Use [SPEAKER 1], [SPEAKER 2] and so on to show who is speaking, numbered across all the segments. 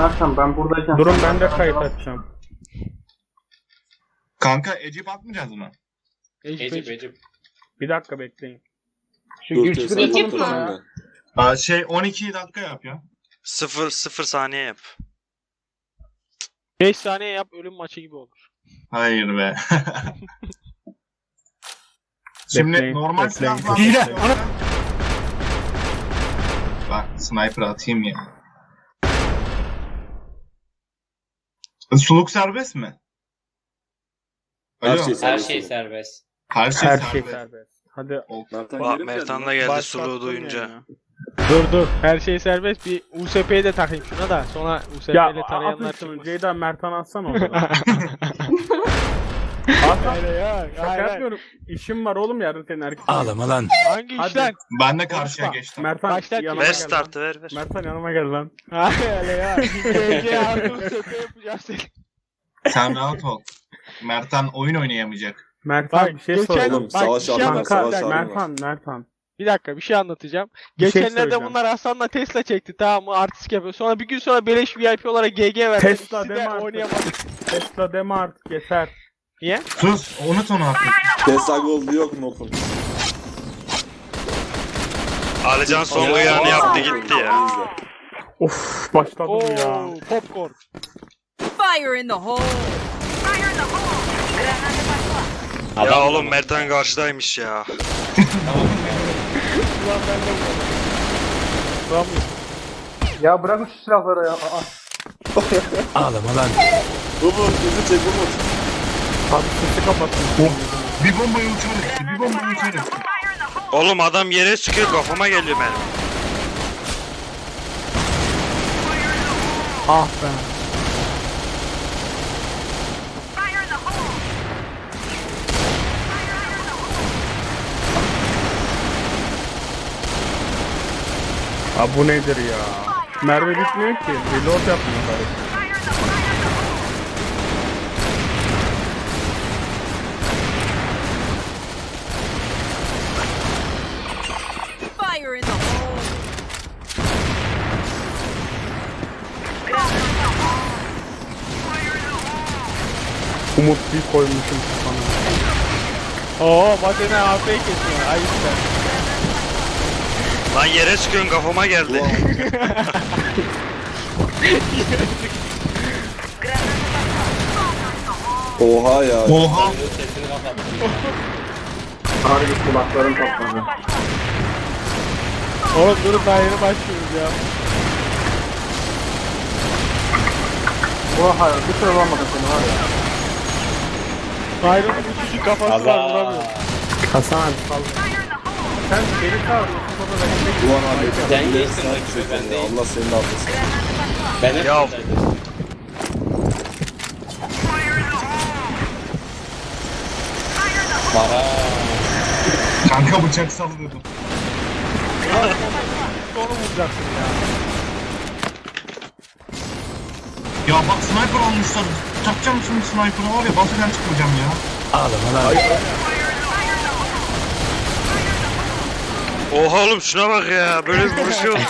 [SPEAKER 1] Mertan ben buradayken...
[SPEAKER 2] Durun ben de kayıt açacağım.
[SPEAKER 3] Kanka Ecip atmayacağız mı?
[SPEAKER 4] Ecip.
[SPEAKER 2] Bir dakika bekleyin. Şu
[SPEAKER 5] Dur,
[SPEAKER 2] gülçükü
[SPEAKER 5] Tesla
[SPEAKER 2] yapalım
[SPEAKER 6] Ecip
[SPEAKER 2] sonra
[SPEAKER 6] mi?
[SPEAKER 2] ya.
[SPEAKER 3] Aa, 12 dakika yap ya.
[SPEAKER 5] 0 saniye yap.
[SPEAKER 4] 5 saniye yap ölüm maçı gibi olur.
[SPEAKER 3] Hayır be. Şimdi
[SPEAKER 2] Bekleyin,
[SPEAKER 3] normal
[SPEAKER 2] bekleyin.
[SPEAKER 3] silahlar...
[SPEAKER 2] Hile,
[SPEAKER 3] Bak sniper atayım ya. Suluk serbest mi?
[SPEAKER 5] Her
[SPEAKER 3] Alo.
[SPEAKER 5] şey
[SPEAKER 6] Her
[SPEAKER 5] serbest.
[SPEAKER 6] şey serbest.
[SPEAKER 3] Her şey
[SPEAKER 2] Her
[SPEAKER 3] serbest.
[SPEAKER 2] şey serbest. Hadi
[SPEAKER 5] Mertan
[SPEAKER 7] Bak,
[SPEAKER 5] geri mi
[SPEAKER 7] Mertan
[SPEAKER 5] geldi
[SPEAKER 7] da geldi
[SPEAKER 2] başlattım
[SPEAKER 7] suluğu duyunca.
[SPEAKER 2] yani.
[SPEAKER 4] Dur her şey serbest bir USP'yi de takayım şuna da sonra USP
[SPEAKER 2] Ya
[SPEAKER 4] ile
[SPEAKER 2] atın
[SPEAKER 4] tarayanlar
[SPEAKER 2] şunu.
[SPEAKER 4] çıkmasın.
[SPEAKER 2] Ceyda Mertan atsana oradan.
[SPEAKER 4] Hayır ya.
[SPEAKER 2] Şaka yapmıyorum. İşim var oğlum yarın senin erkek.
[SPEAKER 7] Ağlama lan.
[SPEAKER 4] Hangi
[SPEAKER 2] Hadi.
[SPEAKER 4] işten?
[SPEAKER 3] Ben de karşıya
[SPEAKER 4] Konuşma.
[SPEAKER 3] geçtim.
[SPEAKER 2] Mertan
[SPEAKER 4] Başlat.
[SPEAKER 2] yanıma
[SPEAKER 5] Ver
[SPEAKER 2] gel
[SPEAKER 5] startı
[SPEAKER 2] lan.
[SPEAKER 5] ver.
[SPEAKER 2] Mertan yanıma gel lan.
[SPEAKER 4] Hayır öyle ya. GG aldım USP yapacağım seni.
[SPEAKER 3] Sen rahat ol. Mertan oyun oynayamayacak.
[SPEAKER 2] Mertan
[SPEAKER 4] Bak,
[SPEAKER 2] bir şey
[SPEAKER 4] geçen-
[SPEAKER 2] soracağım.
[SPEAKER 5] Oğlum savaş
[SPEAKER 4] bir şey
[SPEAKER 5] aldım ben
[SPEAKER 2] Kanka
[SPEAKER 5] savaş aldım ben.
[SPEAKER 2] Mertan.
[SPEAKER 4] Bir dakika bir şey anlatacağım.
[SPEAKER 2] Bir şey
[SPEAKER 4] Geçenlerde
[SPEAKER 2] söyleyeceğim.
[SPEAKER 4] bunlar Hasan'la Tesla çekti tamam mı? Artistik yapıyor. Sonra bir gün sonra beleş VIP olarak GG verdi.
[SPEAKER 2] Tesla
[SPEAKER 4] İkisi de
[SPEAKER 2] deme artık.
[SPEAKER 4] oynayamadı.
[SPEAKER 2] Tesla deme artık yeter.
[SPEAKER 4] Niye?
[SPEAKER 3] Sus unut onu artık.
[SPEAKER 5] Tesla Gold'u yok mu okun?
[SPEAKER 7] Alican son uyarını yaptı gitti ya.
[SPEAKER 2] Of başladım ya.
[SPEAKER 4] Oo, popcorn.
[SPEAKER 8] Fire in the hole! Fire in the hole!
[SPEAKER 7] Ya oğlum Mertan karşıdaymış ya.
[SPEAKER 4] Ulan ben de vuramadım. Vuramıyorum.
[SPEAKER 1] Ya bırakın şu silahları ya. Aa.
[SPEAKER 7] Ağlama lan.
[SPEAKER 5] Umut bizi çek Umut.
[SPEAKER 2] Abi sesi kapattım.
[SPEAKER 3] Bir bombayı uçarız. Bir bombayı uçarız.
[SPEAKER 7] Oğlum adam yere sıkıyor kafama geliyor benim.
[SPEAKER 2] Ah be. Abi bu nedir ya? Mermi bitmiyor ki. Reload yapmıyor bari.
[SPEAKER 8] Fire in the hole!
[SPEAKER 2] Umut bir koymuşum sana.
[SPEAKER 4] Oo Batene AP kesiyor. Ay işte.
[SPEAKER 7] Lan yere sıkıyorsun kafama geldi.
[SPEAKER 5] Oha ya.
[SPEAKER 3] Oha.
[SPEAKER 6] Sesini kapattım.
[SPEAKER 1] Harbi kulaklarım patladı.
[SPEAKER 4] Oğlum durun daha yeni başlıyoruz ya.
[SPEAKER 1] Oha bir süre olmadı seni var ya.
[SPEAKER 4] Byron'un küçücük kafası var vuramıyor.
[SPEAKER 2] Hasan abi sal. Sen beni çağırıyorsun baba ben de
[SPEAKER 5] Ulan abi.
[SPEAKER 6] Sen
[SPEAKER 5] bir
[SPEAKER 6] geçtin
[SPEAKER 5] sen
[SPEAKER 6] rakibi,
[SPEAKER 5] çek
[SPEAKER 6] ben
[SPEAKER 5] ya.
[SPEAKER 6] değil.
[SPEAKER 5] Allah senin affetsin.
[SPEAKER 6] Ben hep
[SPEAKER 7] Ya.
[SPEAKER 6] buradaydım. Para.
[SPEAKER 3] Kanka bıçak sallıyordum.
[SPEAKER 4] Onu vuracaksın ya.
[SPEAKER 3] Ya bak sniper almışlar. Takacağım şimdi sniper'ı var ya basıdan çıkmayacağım ya.
[SPEAKER 7] Ağlama lan. Oha oğlum şuna bak ya. Böyle bir vuruş yok.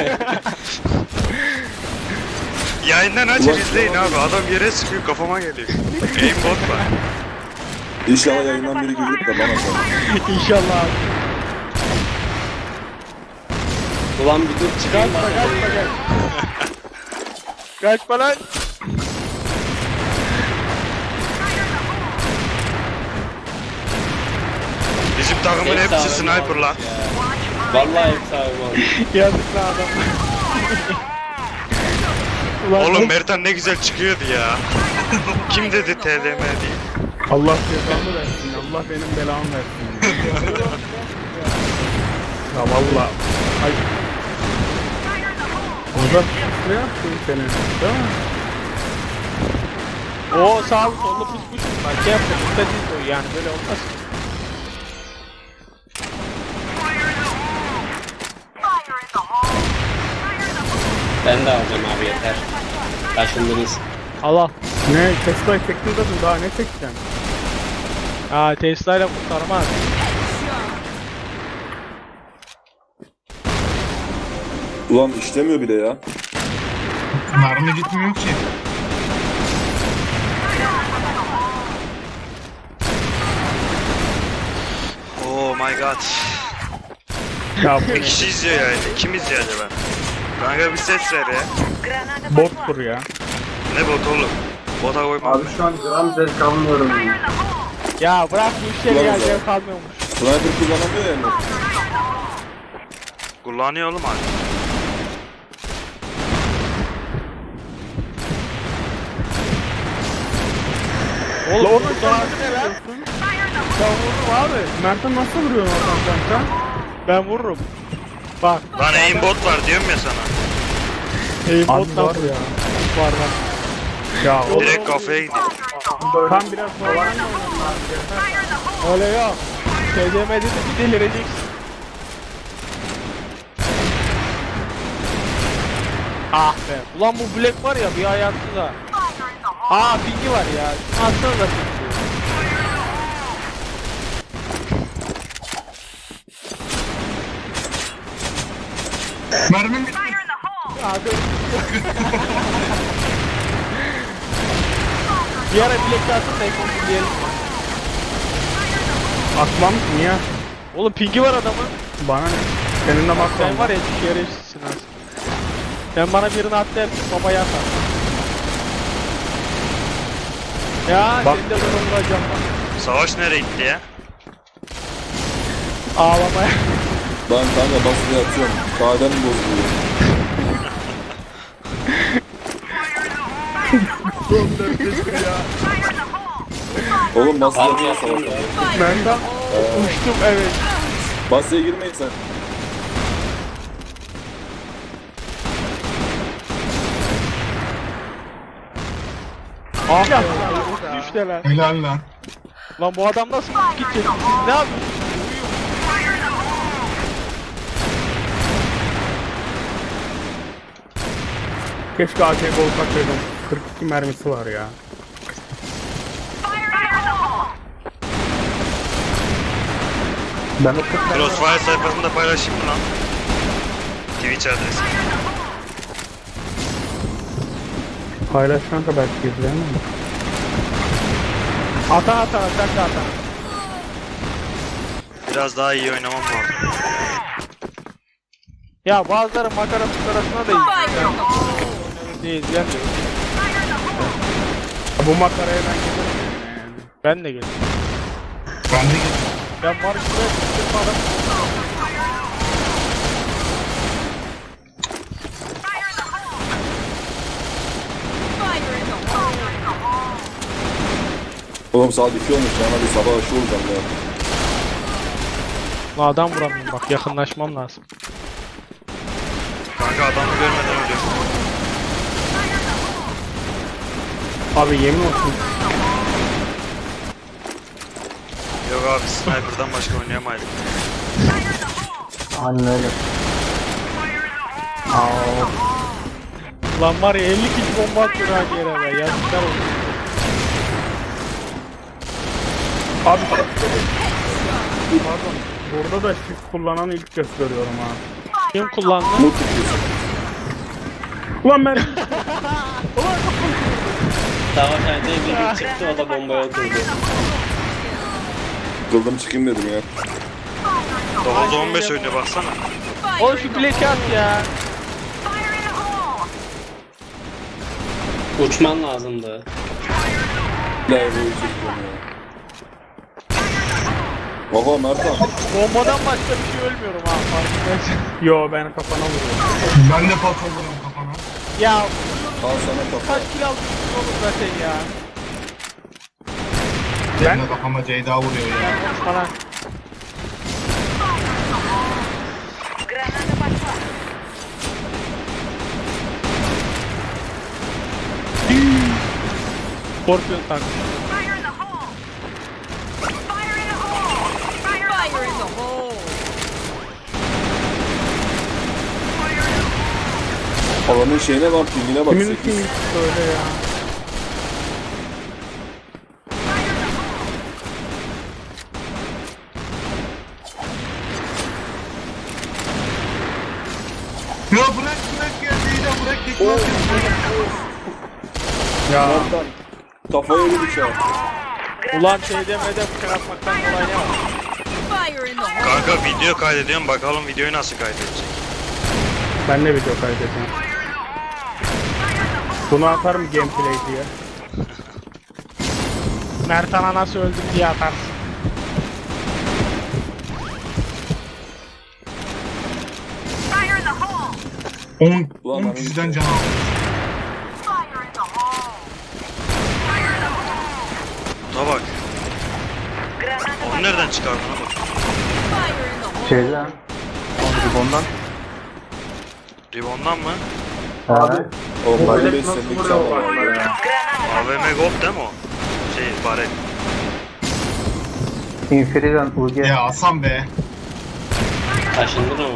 [SPEAKER 7] Yayından açın izleyin abi. Adam yere sıkıyor kafama geliyor. Aimbot var.
[SPEAKER 5] İnşallah yayından biri gelip de bana sor.
[SPEAKER 4] İnşallah abi.
[SPEAKER 6] Ulan bir dur çıkayım
[SPEAKER 4] Kaçma
[SPEAKER 6] bana.
[SPEAKER 4] kaçma gel. Kaçma lan.
[SPEAKER 7] Bizim takımın hepsi sniper lan.
[SPEAKER 6] Vallahi hepsi abi olmuş.
[SPEAKER 4] Yazık lan adam. Ulan
[SPEAKER 7] Oğlum Mertan ne güzel çıkıyordu ya. Kim dedi TDM diye.
[SPEAKER 2] Allah cezamı versin. Allah benim belamı versin. Ya valla. Ay. Orada ne yaptın seni? Değil mi?
[SPEAKER 4] o sağlı sollu pus pus. Bak şey yapma. Dikkat et o yani böyle olmaz.
[SPEAKER 6] Ben de alacağım abi yeter. Taşındınız.
[SPEAKER 4] Allah.
[SPEAKER 2] Ne? Tesla'yı çektin zaten daha ne çekeceksin?
[SPEAKER 4] Aa Tesla ile kurtarmaz.
[SPEAKER 5] Ulan işlemiyor bile ya.
[SPEAKER 3] Mermi gitmiyor ki.
[SPEAKER 7] Oh my god.
[SPEAKER 2] Ya bu
[SPEAKER 7] Bir
[SPEAKER 2] ne?
[SPEAKER 7] kişi izliyor yani. Kim izliyor acaba? Kanka bir ses ver ya.
[SPEAKER 2] Bottur ya.
[SPEAKER 7] Ne bot oğlum? Bota koymam
[SPEAKER 1] Abi şu an gram zevk almıyorum ya.
[SPEAKER 4] Ya bırak bu işleri ya
[SPEAKER 5] Kullanmaz
[SPEAKER 4] zevk almıyormuş.
[SPEAKER 5] Sniper kullanamıyor yani.
[SPEAKER 7] Kullanıyor oğlum abi.
[SPEAKER 4] Oğlum
[SPEAKER 2] Lan
[SPEAKER 4] onun şansı ne lan? Ben vururum abi.
[SPEAKER 2] Mert'e nasıl vuruyorsun oradan kanka?
[SPEAKER 4] Ben vururum. Bak.
[SPEAKER 7] Lan aimbot var diyorum ya sana.
[SPEAKER 4] Aimbot
[SPEAKER 2] Abi var
[SPEAKER 4] nasıl
[SPEAKER 2] ya.
[SPEAKER 4] var lan?
[SPEAKER 2] Ya o
[SPEAKER 7] Direkt kafaya gidiyor.
[SPEAKER 2] tam biraz sonra
[SPEAKER 4] Öyle yok. KDM'de de bir delireceksin. Ah be. Ulan bu Black var ya bir hayatsız ha. Aa pingi var ya. Aslında da pingi.
[SPEAKER 3] Mermim bitti.
[SPEAKER 4] Abi. Bir ara Black atsın da ekonomi diyelim.
[SPEAKER 2] atmam niye?
[SPEAKER 4] Oğlum pingi var adamın.
[SPEAKER 2] Bana ne? Senin de bak
[SPEAKER 4] Sen var ya şerefsizsin az. Sen bana birini at dersin baba yatar. Ya
[SPEAKER 2] Bak.
[SPEAKER 4] seni de ben vuracağım bak.
[SPEAKER 7] Savaş nereye gitti ya?
[SPEAKER 4] Ağlamaya.
[SPEAKER 5] Ben kanka basıya atıyorum. Kahvem bozuluyor. Oğlum basıya
[SPEAKER 6] Abi
[SPEAKER 5] atıyor
[SPEAKER 6] yapayım
[SPEAKER 5] savaş.
[SPEAKER 6] ya.
[SPEAKER 2] Ben de
[SPEAKER 4] Uçtum evet.
[SPEAKER 5] Basıya girmeyin sen.
[SPEAKER 4] Ah ya. Düştü lan.
[SPEAKER 3] Helal lan.
[SPEAKER 4] Lan bu adam nasıl gidecek? Siz ne yapıyorsunuz?
[SPEAKER 2] keşke AK olsak dedim. 42 mermisi var ya. Ben o 40 tane
[SPEAKER 7] Crossfire sayfasında paylaşayım mı lan? Twitch adresi.
[SPEAKER 2] paylaş kanka belki izleyemem.
[SPEAKER 4] Atan sen de atan.
[SPEAKER 7] Biraz daha iyi oynamam lazım.
[SPEAKER 4] Ya bazıları makara fukarasına da
[SPEAKER 8] Fire
[SPEAKER 4] iyi.
[SPEAKER 8] in the hole!
[SPEAKER 4] Değil diyen de yok.
[SPEAKER 2] Bu makaraya ben giderim yani.
[SPEAKER 4] Ben de geldim.
[SPEAKER 3] Ben de gittim.
[SPEAKER 4] Ben marşıda sıkmadım.
[SPEAKER 8] Fire in the hole!
[SPEAKER 5] Oğlum saat 2 olmuş ya. Hadi sabah aşı olacağım ya.
[SPEAKER 4] Lan adam vuramıyorum bak yakınlaşmam lazım.
[SPEAKER 7] Kanka adamı görmeden ölüyorum.
[SPEAKER 2] Abi yemin olsun.
[SPEAKER 7] Yok abi sniper'dan başka oynayamaydım.
[SPEAKER 1] Aynen öyle.
[SPEAKER 4] Lan var ya 50 kişi bomba atıyor aynı yere be. Yazıklar olsun.
[SPEAKER 2] Abi pardon. Burada da shift kullanan ilk kez görüyorum ha.
[SPEAKER 4] Kim kullandı?
[SPEAKER 5] Mut tutuyorsun.
[SPEAKER 2] Ulan ben
[SPEAKER 6] Savaş halde biri çıktı o da bombaya oturdu.
[SPEAKER 5] Kıldım çıkayım dedim ya.
[SPEAKER 7] 9-15 oynuyor baksana.
[SPEAKER 4] Oğlum şu bileki at ya.
[SPEAKER 6] Uçman lazımdı.
[SPEAKER 5] Lay boyu çekiyorum ya. Oha Mertan.
[SPEAKER 4] Bombadan başka bir şey ölmüyorum ha farkındaysan.
[SPEAKER 2] yo ben kafana vuruyorum.
[SPEAKER 3] Ben de patladım kafana.
[SPEAKER 4] Ya
[SPEAKER 5] Al sana kafa.
[SPEAKER 4] kaç kill almışsın oğlum zaten ya.
[SPEAKER 3] Ben de kafama Ceyda vuruyor ya.
[SPEAKER 4] Falan. Scorpion tank.
[SPEAKER 8] Fire in the hole!
[SPEAKER 5] Alanın şeyine bak, pingine bak.
[SPEAKER 2] Kimin
[SPEAKER 5] 8.
[SPEAKER 2] için söyle ya.
[SPEAKER 3] Ya bırak geldi yine bırak. bırak tekme atıyorsun.
[SPEAKER 2] Ya
[SPEAKER 5] Mertan. Kafaya yedi bıçağı.
[SPEAKER 4] Ulan TDM'de bıçak atmaktan kolay ne var?
[SPEAKER 8] Fire in the hole!
[SPEAKER 7] Kanka video kaydediyorum bakalım videoyu nasıl kaydedecek.
[SPEAKER 2] ben de video kaydedeceğim. Bunu atarım gameplay diye.
[SPEAKER 4] Mertan'a nasıl öldüm diye atarsın.
[SPEAKER 8] Fire in the hole!
[SPEAKER 3] 10 kişiden can aldım.
[SPEAKER 8] Fire in the hole! Fire in the hole!
[SPEAKER 7] Da bak. Onu nereden çıkardın oğlum?
[SPEAKER 8] Fire in the hole!
[SPEAKER 1] Şeyden. Ondan.
[SPEAKER 7] Ribondan mı?
[SPEAKER 1] Abi.
[SPEAKER 5] Oğlum
[SPEAKER 1] Bu
[SPEAKER 5] ben
[SPEAKER 1] bilek
[SPEAKER 5] 5
[SPEAKER 1] nasıl
[SPEAKER 5] senelik
[SPEAKER 1] vuruyor
[SPEAKER 5] çağlar
[SPEAKER 1] bana
[SPEAKER 5] var.
[SPEAKER 1] ya?
[SPEAKER 7] AVM Gold değil mi o? Şey baret.
[SPEAKER 1] Inferior'dan UG.
[SPEAKER 3] Ya Hasan be.
[SPEAKER 6] Taşındın ama.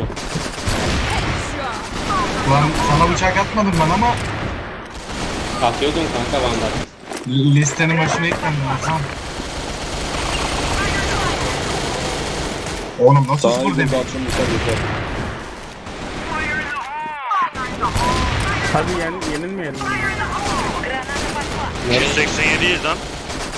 [SPEAKER 3] Lan sana bıçak atmadım ben ama
[SPEAKER 6] Atıyordun kanka Van'da.
[SPEAKER 3] listenin başına eklendim Hasan. Oğlum nasıl
[SPEAKER 5] Sana
[SPEAKER 3] spor
[SPEAKER 5] bir
[SPEAKER 3] demek?
[SPEAKER 5] de akşam bıçak yeter.
[SPEAKER 2] Hadi yenilmeyelim.
[SPEAKER 6] Nereye?
[SPEAKER 7] 187'yiz lan.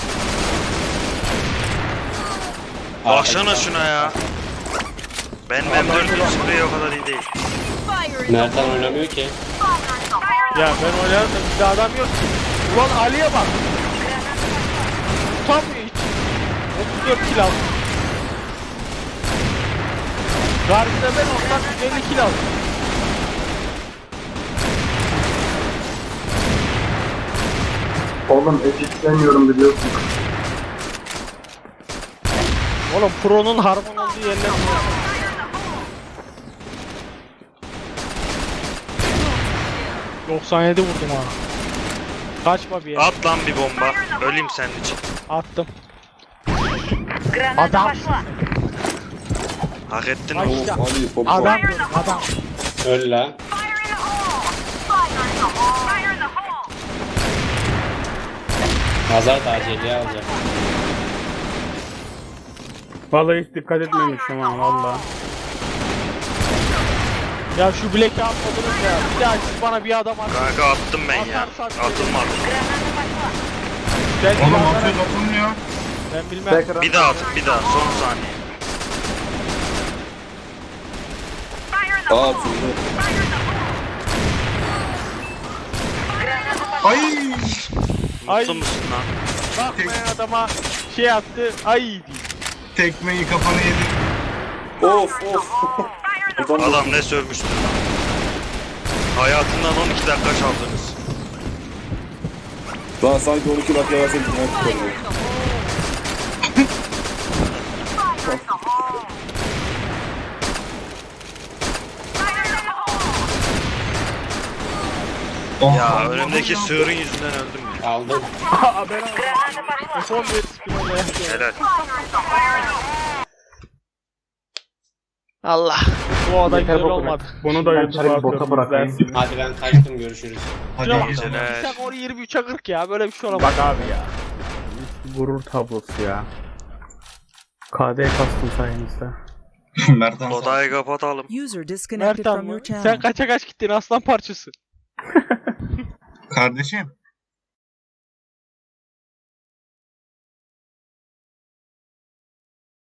[SPEAKER 7] Baksana şuna ya. Ben 4'ün spreyi o kadar iyi değil.
[SPEAKER 8] Fire in the
[SPEAKER 6] Mertan oynamıyor ki.
[SPEAKER 4] Ya ben oynarım da bir de adam yok ki. Ulan Ali'ye bak. Tutamıyor hiç. 34 kill aldım. Karşıda ben ondan 50 kill aldım.
[SPEAKER 1] Oğlum eşitlemiyorum biliyorsun.
[SPEAKER 4] Oğlum Pro'nun harman olduğu yerler mi? ...97 vurdum ha. Kaçma bir yere.
[SPEAKER 7] At lan bir bomba. Öleyim senin için.
[SPEAKER 4] Attım. Adam.
[SPEAKER 7] Hak ettin
[SPEAKER 4] Ay.
[SPEAKER 7] mi?
[SPEAKER 5] Of Ali popcorn.
[SPEAKER 4] Adam diyorum adam.
[SPEAKER 6] Öl la.
[SPEAKER 8] Fire in the hole! Fire in the hole! Fire in the hole!
[SPEAKER 6] Nazar taceliği alacak.
[SPEAKER 2] Vallahi hiç dikkat etmemişim ha valla.
[SPEAKER 4] Ya şu black'i atmadınız ya. Bir daha siz bana bir adam atın.
[SPEAKER 7] Kanka attım ben ya. Atılmadı.
[SPEAKER 4] Belki
[SPEAKER 3] Oğlum
[SPEAKER 4] bana-
[SPEAKER 3] atıyor atılmıyor.
[SPEAKER 4] Ben bilmem.
[SPEAKER 7] Bir daha atın bir daha. Son saniye.
[SPEAKER 8] Fire in the
[SPEAKER 5] Aa
[SPEAKER 8] hole!
[SPEAKER 5] atıldı.
[SPEAKER 8] Fire in the hole!
[SPEAKER 3] Ay.
[SPEAKER 4] Ay.
[SPEAKER 7] Mutlu musun lan?
[SPEAKER 4] Bakmayan adama şey attı. Ay diye.
[SPEAKER 3] Tekmeyi kafana yedi.
[SPEAKER 5] Of of. Adam
[SPEAKER 7] Adam ne sövmüştür lan. Hayatından 12 dakika çaldınız.
[SPEAKER 5] Daha sanki 12 dakika versek ne tutarıyor.
[SPEAKER 3] Oh,
[SPEAKER 7] Ya
[SPEAKER 3] Allah
[SPEAKER 7] önümdeki
[SPEAKER 3] Allah.
[SPEAKER 7] sığırın yüzünden öldüm ya.
[SPEAKER 6] Aldım.
[SPEAKER 2] Aa ben aldım.
[SPEAKER 4] Son bir spin yapıyor.
[SPEAKER 7] Helal.
[SPEAKER 4] Allah. Bu adam
[SPEAKER 1] Yeter
[SPEAKER 4] güzel
[SPEAKER 1] bu
[SPEAKER 4] olmadı.
[SPEAKER 2] Bunu da
[SPEAKER 1] Ben
[SPEAKER 2] YouTube'a
[SPEAKER 1] çarpı bota
[SPEAKER 2] atıyorum.
[SPEAKER 1] bırakayım.
[SPEAKER 2] izlersin.
[SPEAKER 6] Hadi ben kaçtım görüşürüz.
[SPEAKER 3] Hadi
[SPEAKER 4] Şuna
[SPEAKER 3] iyi
[SPEAKER 4] bak.
[SPEAKER 3] geceler.
[SPEAKER 4] Sen onu 23'e 40 ya. Böyle bir şey olamaz.
[SPEAKER 2] Bak abi ya. Gurur tablosu ya. KD kastım sayenizde.
[SPEAKER 3] Mertan sağ ol.
[SPEAKER 7] Odayı kapatalım.
[SPEAKER 9] User disconnected
[SPEAKER 4] Mertan
[SPEAKER 9] from
[SPEAKER 4] mı?
[SPEAKER 9] your
[SPEAKER 4] Sen
[SPEAKER 9] channel.
[SPEAKER 4] kaça kaç gittin aslan parçası?
[SPEAKER 3] Kardeşim.